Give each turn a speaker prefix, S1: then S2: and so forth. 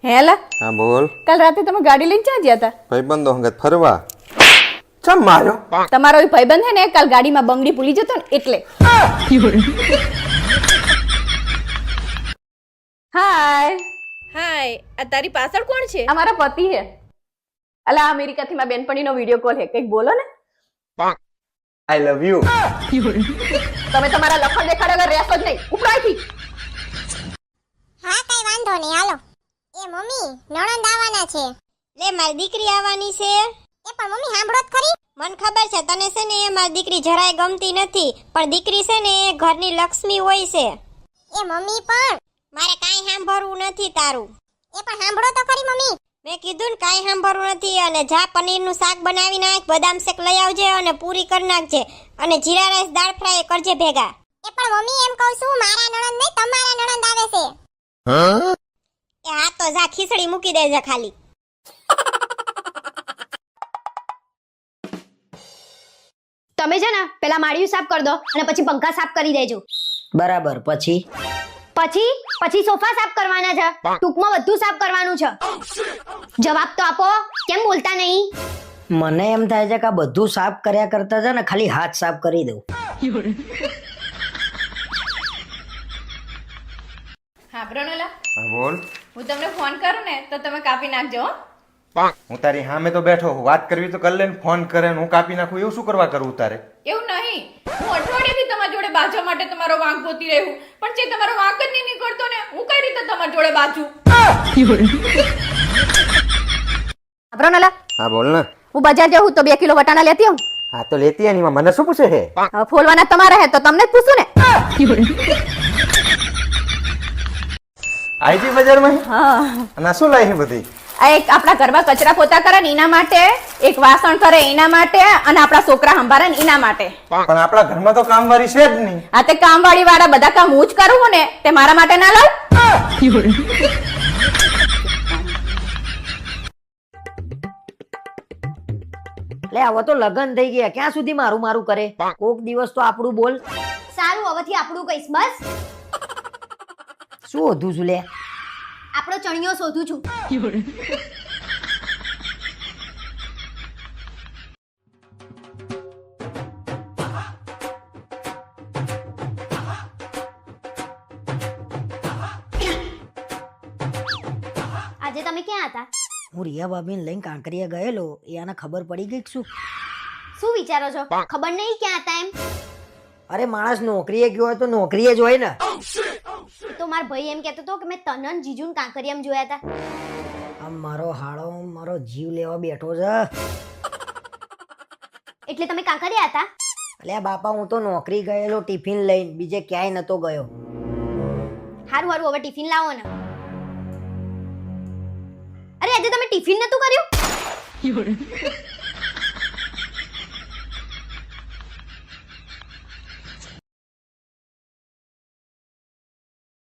S1: હેલા
S2: હા બોલ.
S1: કાલ રાતે તમે ગાડી લઈને ક્યાં ગયા હતા?
S2: ભાઈબંધો હંગાત ફરવા. ચમ માર્યો?
S1: તમારો એ ભાઈબંધ હે ને કાલ ગાડીમાં બંગડી ભૂલી જતો ને એટલે. હાય
S3: હાય, આ તારી પાછળ કોણ છે?
S1: આ મારા પતિ હે. અલા અમેરિકાથી મારી બેનપણીનો વિડિયો કોલ હે, કંઈક બોલો ને.
S2: I love you.
S1: તમે તમારા લખણ દેખાડ વગર રહેશો જ નહીં. ઉપરાયથી
S4: હા કઈ વાંધો નહીં હાલો. એ મમ્મી નણંદ આવવાના છે.
S3: લે મારી દીકરી આવવાની છે.
S4: એ પણ મમ્મી સાંભળો જ ખરી.
S3: મને ખબર છે તને છે ને એ મારી દીકરી જરાય ગમતી નથી, પણ દીકરી છે ને એ ઘરની લક્ષ્મી હોય છે.
S4: એ મમ્મી પણ
S3: મારે કાંઈ સાંભળવું નથી તારું.
S4: એ પણ સાંભળો તો ખરી મમ્મી.
S3: મેં કીધું ને કાંઈ સાંભળવું નથી. અને જા પનીરનું શાક બનાવી નાખ, બદામ શેક લઈ આવજે અને પૂરી કરી નાખજે, અને જીરા રાઈસ દાળ ફ્રાય કરજે ભેગા.
S4: એ પણ મમ્મી એમ કહું છું મારા નણંદ નહીં તમારા નણંદ આવે છે.
S3: એ હા તો જા ખીચડી મૂકી દેજે ખાલી.
S5: તમે છે ને પેલા માળિયું સાફ કરી દો અને પછી પંખા સાફ કરી દેજો.
S6: બરાબર. પછી
S5: પછી સોફા સાફ કરવાના છે. ટૂંકમાં બધું સાફ કરવાનું છે. જવાબ તો આપો, કેમ બોલતા નહીં?
S6: મને એમ થાય છે કે આ બધું સાફ કર્યા કરતા છે ને ખાલી હાથ સાફ કરી દઉં.
S1: હા બ્રનોલા,
S2: હા બોલ.
S1: હું તમને ફોન કરું ને તો તમે કાપી નાખજો હો.
S2: હું તારી સામે તો બેઠો હું, વાત કરવી તો કર લે ને. ફોન કરે ને હું કાપી નાખું એવું શું કરવા કરું તારે?
S1: એવું નહીં, હું અઠવાડિયાથી તમારી જોડે બાજવા માટે તમારો વાંક ગોતી રહ્યું, પણ જે તમારો વાંક જ નહીં નીકળતો ને, હું કઈ રીતે તમારી જોડે બાજુ? બ્રનોલા,
S2: હા બોલ ને.
S1: હું બજાર જાઉં તો 2 કિલો વટાણા લેતી આવું.
S2: હા તો લેતી આની માં મને શું પૂછે છે?
S1: હવે ફોલવાના તમારા હે તો તમને જ પૂછું ને.
S2: આઈજી બજારમાં
S1: હા,
S2: અને શું લાવી બધી?
S1: આ એક આપણા ઘરમાં કચરા પોતા કરે ને એના માટે, એક વાસણ કરે એના માટે, અને આપણા છોકરા સંભાળે ને એના માટે.
S2: પણ આપણા ઘરમાં તો કામવાળી છે જ નહીં.
S1: આ તે કામવાળી વાળા બધા કામ હું જ કરું ને, તે મારા માટે ના લાવ.
S6: લે હવે તો લગન થઈ ગયા, ક્યાં સુધી મારું મારું કરે? કોક દિવસ તો આપણું બોલ.
S5: સારું, હવેથી આપણું કહીશ બસ.
S6: શું હતું છું લે?
S5: આપણો ચણિયો શોધું છું. આજે તમે ક્યાં હતા?
S6: હું રિયા ભાભીને લઈને કાંકરિયા ગયેલો, એ આને ખબર પડી ગઈ કે શું?
S5: શું વિચારો છો? ખબર નહીં ક્યાં હતા એમ?
S6: અરે માણસ નોકરીએ ગયો હોય તો નોકરીએ જ હોય ને.
S5: તો મારો ભાઈ એમ કહેતો હતો કે મેં તનન જીજુન કાંકરિયામાં જોયા હતા.
S6: આમ મારો હાળો મારો જીવ લેવા બેઠો છે.
S5: એટલે તમે કાંકરિયા હતા?
S6: અલ્યા બાપા, હું તો નોકરી ગયેલો ટિફિન લઈને, બીજે ક્યાંય નતો ગયો.
S5: હારું હવે ટિફિન લાવો ને. અરે આજે તમે ટિફિન નતું કર્યું?